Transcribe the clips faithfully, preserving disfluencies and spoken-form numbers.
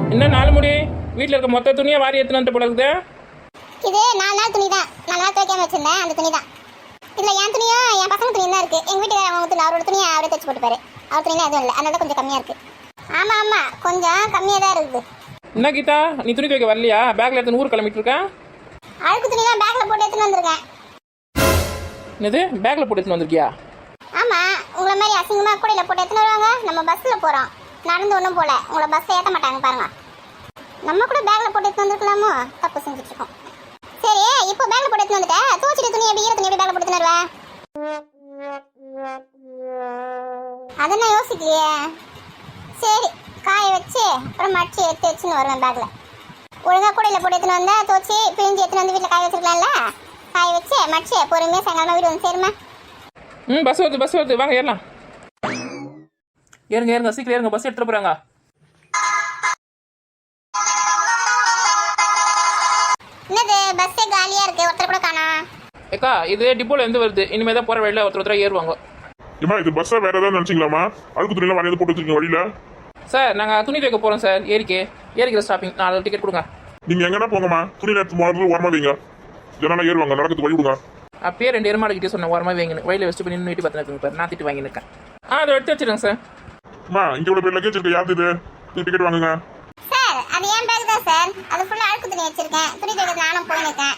இன்னும் நாலு முடி வீட்டில் இருக்க மொத்த துணியை வாரி எடுத்துன்னு வந்து போல இருக்குது. இது நாலு நாள் துணி தான். நாலு நாள் துவைக்காம வச்சிருந்தேன் அந்த துணி தான். இதுல என் துணியும் என் பசங்க துணியும் தான் இருக்கு. எங்க வீட்டுக்காரர் அவங்க துணி அவரோட துணியை அவரே தைச்சு போட்டுப்பாரு. அவர் துணியெல்லாம் எதுவும் இல்லை, அதனால கொஞ்சம் கம்மியா இருக்கு. ஆமா ஆமா கொஞ்சம் கம்மியா தான் இருக்குது. என்ன கீதா, நீ துணி துவைக்க வரலையா? பேக்ல எடுத்து ஊர் கிளம்பிட்டு இருக்கேன். அழுக்கு துணி தான் பேக்ல போட்டு எடுத்துன்னு வந்திருக்கேன். என்னது பேக்ல போட்டு எடுத்துன்னு வந்திருக்கியா? ஆமா, உங்களை மாதிரி அசிங்கமா கூடையில போட்டு எடுத்துன்னு வருவாங்க. நம்ம பஸ்ல போறோம், நடந்து ஒன்றும் போல. உங்களை பஸ்ல ஏற்ற மாட்டாங்க பாருங்க. நம்ம கூட பேக்ல போட்டு எடுத்து வந்துருக்கலாமோ? தப்பு செஞ்சுட்டு இருக்கோம். சரி, இப்போ பேக்ல போட்டு எடுத்து வந்துட்டேன். தூச்சிட்டு துணி எப்படி ஈர துணி எப்படி பேக்ல போட்டு வருவேன்? அதை நான் யோசிக்கலையே. சரி, காய வச்சு அப்புறம் மடிச்சு எடுத்து வச்சுன்னு வருவேன் பேக்ல. ஒழுங்கா கூடையில போட்டு எடுத்துன்னு வந்தா தோச்சி பிழிஞ்சு எடுத்துன்னு வந்து வீட்டில் காய வச்சிருக்கலாம்ல. காய வச்சு மடிச்சு பொறுமையா சாயங்காலமா வீடு வந்து சேருமா? ம் பஸ் வருது பஸ் வருது, வாங்க ஏறலாம். ஏறுங்க ஏறுங்க, சீக்கிரம் ஏறுங்க, பஸ் எடுத்துட்டு போறாங்க. என்னது பஸ்ஸே காலியா இருக்கு, ஒருத்தர் கூட காணோம். ஏக்கா இது டிப்போல இருந்து வருது. இனிமே தான் போற வழியில ஒருத்தர் ஒருத்தர் ஏறுவாங்க. ஏமா இது பஸ்ஸா வேற ஏதாவது நினைச்சிங்களாமா? அழுக்கு துணியெல்லாம் வரையாது போட்டு வச்சிருக்கீங்க வழியில. சார் நாங்கள் துணி துவைக்க போகிறோம் சார். ஏரிக்கே ஏரிக்கிற ஸ்டாப்பிங். நாலு டிக்கெட் கொடுங்க. நீங்க எங்கன்னா போங்கம்மா, துணி நேரத்து முதல்ல ஓரமா வைங்க. ஜனம் ஏறுவாங்க, நடக்கிறது வழி விடுங்க. அப்பயே ரெண்டு எருமாடு கிட்டே சொன்னேன் ஓரமாக வைங்கன்னு. வழியில் வச்சுட்டு பண்ணி வீட்டு பார்த்து பாரு, நான் திட்டு வாங்கியிருக்கேன். ஆ அதை எடுத்து வச்சிருங்க சார். அம்மா இங்க இவ்வளவு பேர் லக்கேஜ் இருக்கு, யாரு இது? டிக்கெட் வாங்குங்க சார். அது ஏன் பேக் தான் சார். அது ஃபுல்லா அழுக்கு துணி வச்சிருக்கேன். துணி துவைக்க நானும் போயிருக்கேன்.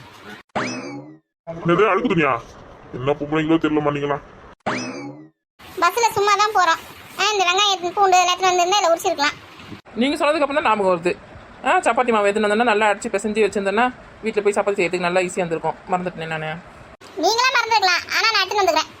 என்னது அழுக்கு துணியா? என்ன பொம்பளைங்களோ தெரியல நீங்களா? பஸ்ல சும்மா தான் போறோம். இந்த வெங்காயம் பூண்டு எல்லாத்தையும் வந்து இதில் உரிச்சிருக்கலாம். நீங்கள் சொன்னதுக்கு அப்புறம் தான் ஞாபகம் வருது. ஆ சப்பாத்தி மாவு எதுன்னு வந்தோன்னா நல்லா அடிச்சு பிசைஞ்சு வச்சிருந்தேன்னா வீட்டில் போய் சப்பாத்தி செய்யறதுக்கு நல்லா ஈஸியாக இருந்திருக்கும். மறந்துட்டேன் நான். நீங்களா மறந்துருக்கலாம், ஆனா நான் எடுத்துன்னு வந்துக்கிறேன்.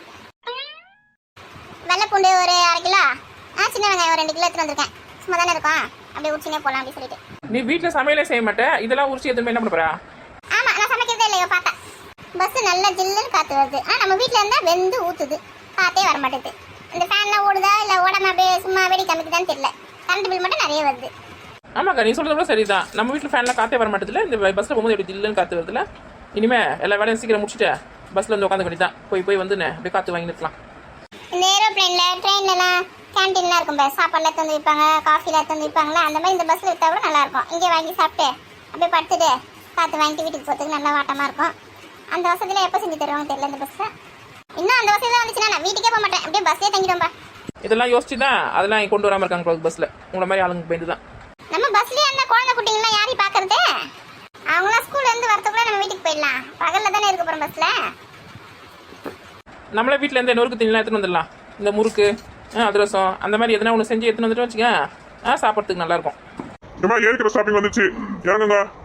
வெள்ளை பூண்டு ஒரு அரை கிலோ, ஆ சின்ன வெங்காயம் ஒரு ரெண்டு கிலோ எடுத்துன்னு வந்திருக்கேன். சும்மா தானே இருக்கும், அப்படியே உரிச்சினே போகலாம் அப்படின்னு சொல்லிட்டு. நீ வீட்டில் சமையலே செய்ய மாட்டேன், இதெல்லாம் உரிச்சு எதுவுமே என்ன பண்ண போறா? ஆமா, நான் சமைக்கிறதே இல்லையோ பார்த்தா. பஸ் நல்லா ஜில்லுன்னு காத்து வருது. ஆனா நம்ம வீட்டில் இருந்தா வெந்து ஊத்துது, காத்தே வர மாட்டேது. இந்த ஃபேன்லாம் ஓடுதா இல்லை ஓடாம அப்படியே சும்மா வெடி காமிக்குதான்னு தெரியல. கரண்ட் பில் மட்டும் நிறைய வருது. ஆமாக்கா நீ சொல்றது கூட சரிதான். நம்ம வீட்டில் ஃபேன்லாம் காற்றே வர மாட்டேதுல. இந்த பஸ்ஸில் போகும்போது எப்படி ஜில்லுன்னு காற்று வருதுல. இனிமே எல்லா வேலையும் சீக்கிரம் முடிச்சுட்டு பஸ்ஸில் வந்து உட்காந்து தான் போய் போய் வந்து அப்படியே காற்று வாங்கி நிற்கலாம். இந்த ஏரோப்ளைன்ல ட்ரெயின்லலாம் கேன்டீன்லாம் இருக்கும் பாரு, சாப்பாடுலாம் தந்து வைப்பாங்க, காஃபிலாம் தந்து வைப்பாங்களா. அந்த மாதிரி இந்த பஸ்ஸில் விற்றா கூட நல்லா இருக்கும். இங்கே வாங்கி சாப்பிட்டு அப்படியே படுத்துட்டு காற்று வாங்கிட்டு வீட்டுக்கு போகிறதுக்கு நல்லா வாட்டமாக இருக்கும். அந்த வசதியில் எப்போ செஞ்சு தருவாங்க தெரியல இந்த பஸ்ஸை. இன்னும் அந்த வசதியில் வந்துச்சுன்னா நான் வீட்டுக்கே போக மாட்டேன், அப்படியே பஸ்ஸே தங்கிடும்பா. இதெல்லாம் யோசிச்சு தான் அதெல்லாம் கொண்டு வராமல் இருக்காங்க பஸ்ஸில். உங்களை மாதிரி ஆளுங்க போயிட்டு தான். நம்ம பஸ்லயே அந்த குழந்தை குட்டிங்களாம் யாரையும் பார்க்கறது? அவங்களாம் ஸ்கூல்ல இருந்து வரதுக்குள்ள நம்ம வீட்டுக்கு போயிடலாம். பகல்ல தானே இருக்க போறோம் பஸ்ல. நம்மளே வீட்டில் இருந்து நொறுக்கு தண்ணிலாம் எடுத்துன்னு வந்துடலாம். இந்த முறுக்கு அதிரசம் அந்த மாதிரி எதனா ஒன்று செஞ்சு எடுத்துன்னு வந்துட்டு வச்சுக்க, ஆ சாப்பிட்றதுக்கு நல்லா இருக்கும். ஏமா ஏரிக்கிற ஸ்டாப்பிங் வந்துச்சு, இறங்குங்க.